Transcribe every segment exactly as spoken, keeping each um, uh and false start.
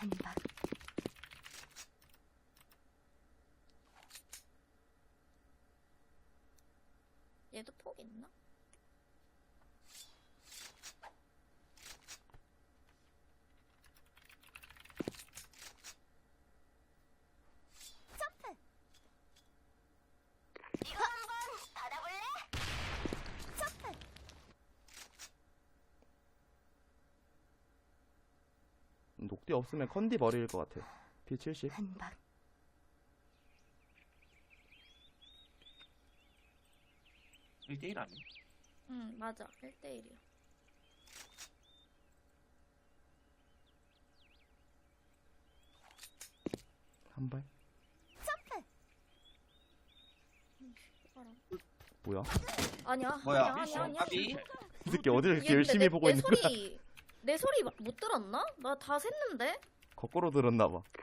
한박. 얘도 폭 있나? 녹디 없으면 컨디 머리일 것 같아. 피 칠십. 한박. 일 대 일 아니야? 응 맞아 일 대 일이야. 한 발. 뭐야? 아니야 뭐야? 아니야 아니야 아니야. 아비? 이 새끼 어디를 이렇게 얘 열심히 근데 내, 보고 내 있는 거야? 소리 내 소리 막 못 들었나? 나 다 샜는데? 거꾸로 들었나봐. 어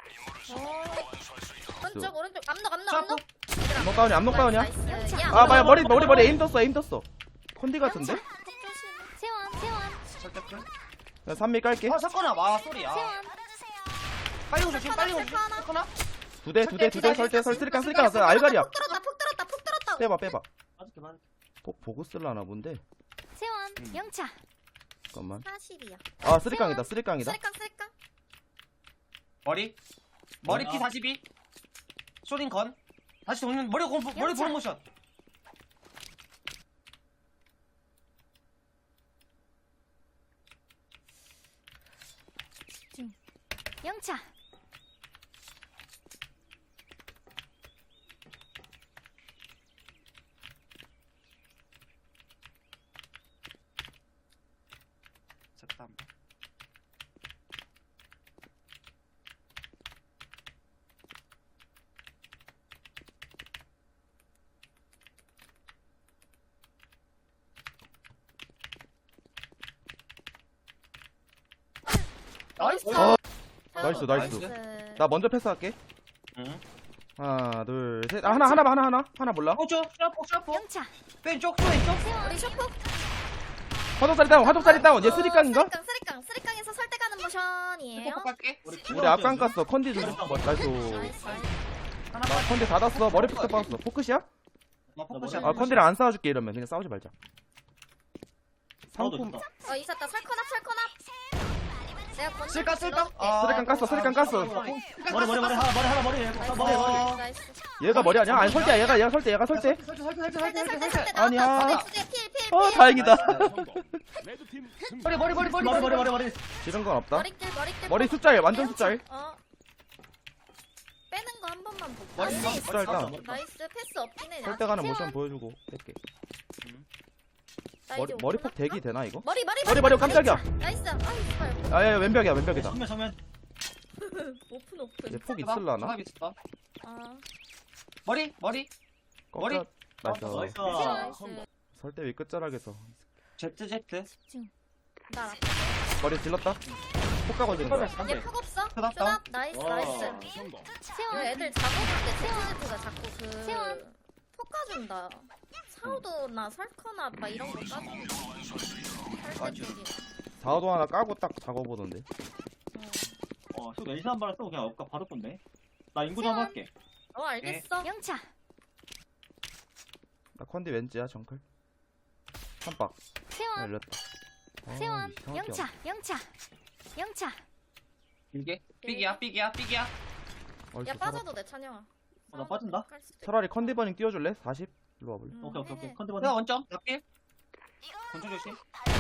오른쪽 오른쪽 암록 암록 샤프? 암록 암록 다운이야, 암록 다운이야. 나이스. 야, 아, 맞아. 머리, 머리, 머리 에임 떴어, 에임 떴어. 컨디 같은데? 폭 조심해. 세원 세원 설득을? 나 삼미 깔게. 아 사건아 와 소리야. 세원. 빨리 오조심 빨리 오조심. 하나. 사건아? 두 대, 두 대, 두 대, 설대, 설, 쓰리깡, 쓰리깡 왔어. 알갈이야. 폭 들었다 폭 들었다 폭 들었다. 빼봐, 빼봐. 맞을게 맞을게. 폭 보고 쓸라나 본데. 세원 음. 영차. 잠깐만. 사십이야. 아, 쓰리깡이다, 쓰리깡이다. 쓰리깡 쓰리깡. 머리? 머리 뭐야? 피 사십이. 쇼딩 건. 다시 돌면 머리 공 머리 보는 모션. 영차. 잠깐. 나이스. 어. 나이스, 나이스. 나이스. 나 먼저 패스할게. 응. 하나, 둘, 셋. 아, 하나, 하나, 봐, 하나, 하나. 하나 몰라. 오죠. 샤프 샤프. 영차. 왼쪽 또 왼쪽. 세원. 우리 쇼폭. 화독살이 다운, 화독살이 다운. 얘 쓰리깡인가? 쓰리깡 쓰리깡 쓰리깡에서 설대가는 모션이에요. 꼭 갈게. 우리 앞강 깠어. 컨디 좀. 뭐, 나이스. 나이스. 하나 나 컨디 닫았어. 머리 푹 빠졌어. 포크시야? 나 포커싱. 아, 컨디를 안 싸워줄게, 이러면. 그냥 싸우지 말자. 상품. 어 있었다 설컨압 설컨압. 내가 건너. 쓸까 쓸까? 쓰리깡 깠어, 쓰리깡 깠어. 머리 머리 머리 하나 머리 하나 머리 나이스. 머리 머리. 나이스. 얘가 머리 아니야? 아니, 설대야. 얘가, 얘가 설대, 얘가 설대. 설치 설치 설치 설대 설치 설대 설치. 설대 아니야. 나왔다. 주제 필 필. 어, 필. 다행이다. 머리 머리 머리 머리 머리 머리 머리 머리. 이런 건 없다. 머리길 머리길. 머리 숫자일, 완전 숫자일. 어. 빼는 거 한 번만 보고. 머리 안 숫자, 돼. 숫자 일단. 나이스 패스 없긴 해. 설대 가는 세원. 모션 보여주고 뺄게. 나 머리, 이제 머리폭 오픈할까? 대기 되나, 이거? 머리 머리 머리, 머리, 깜짝이야. 나이스. 아 이발. 아, 야, 야, 왼벽이야, 왼벽이다. 정면 정면. 오픈 오픈. 얘 폭 있을라나? 있어. 아. 머리 머리. 머리? 꺾여. 나이스. 나이스. 나이스. 설대 위 끝자락에서. 제트 제트. 나. 머리 질렀다. 폭 가거든. 안 얘 돼. 폭 없어. 끄덕 끄덕. 나이스 와. 나이스. 그 세원. 애들 잡아볼 때 제트제트가 자꾸 그 세원. 폭 까준다. 사우도나 설커나 막 이런 거 까준다. 설대 쪽이. 사호도 하나 까고 딱 작업보던데. 어, 저 왼시 한 발을 쓰고 그냥 엇가 받을 건데. 나 인구 좀 할게. 어 알겠어. 영차. 나 컨디 왠지야, 정클. 한박. 아, 세원. 열렸다. 아, 세원. 이상하게 영차. 영차. 영차. 길게. 삑이야 삑이야 삑이야. 어, 야 이렇게 빠져도 돼 찬영아. 어, 나 빠진다? 깔 수도 있- 차라리 컨디 버닝 띄워줄래? 사십? 일로 와볼래? 음, 오케이 오케이 오케이. 해. 컨디 받 내가 원점. 나필. 권총 조심.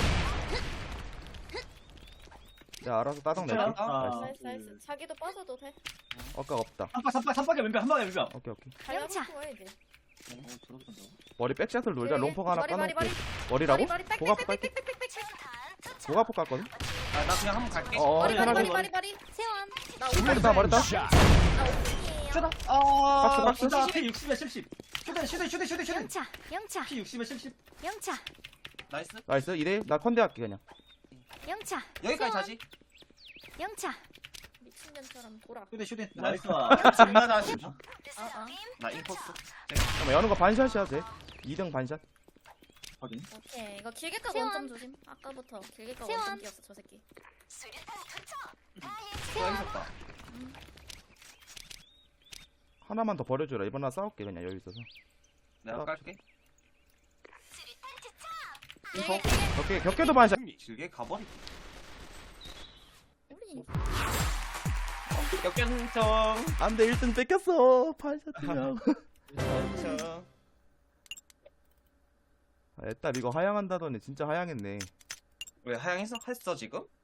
내가 알아서 따당 낼게. 괜찮아. 아, 나이스 나이스. 자기도 빠져도 돼. 아까 없다. 삼박 삼박 삼박에 왼벽 한 방에 왼벽. 오케이, 오케이. 영차. 영차. 어, 저렇게 된다고? 머리 백샷을 놀자. 롱폭 하나 머리 머리 까놓을게. 머리. 머리라고? 머리 머리 고가폭 깔게. 빽빽빽빽빽빽. 고가폭 깔거든? 아, 나 그냥 한번 갈게. 어어, 머리 머리 편하게. 머리 머리 머리. 세원. 나 머리 오픈. 다, 머리 다. 나 오픈이에요. 쇼다. 아. 박수, 박수. 진짜 피 육십에 칠십. 슈대 슈대 슈대 슈대 슈대. 영차. 영차. 피 육십에 칠십. 영차. 나이스. 나이스. 이대 나 컨디 할게, 그냥. 영차. 여기까지 세원. 다시. 영차. 미친년처럼 돌아. 슈대 슈대. 나이스. 나이스. 존나 다시. 아 아. 나 인포스. 잠깐만, 여는 거 반샷이야, 돼. 이 등 반샷. 확인. 오케이 이거 길게 까 세원. 원점 조심. 아까부터 길게 까 세원. 원점 뛰었어 저 새끼. 또 있었다. 하나만 더 버려줘라. 이번 나 싸울게 그냥 여유 있어서. 내가 아. 깔게. 예, info. 예. 격계 격계도 반샷. 길게 가버리. 우리 역전청. 안돼 일 등 뺏겼어. 반샷이야. 역전청. 아, 애딸 이거 하향한다더니 진짜 하향했네. 왜 하향했어? 했어 지금?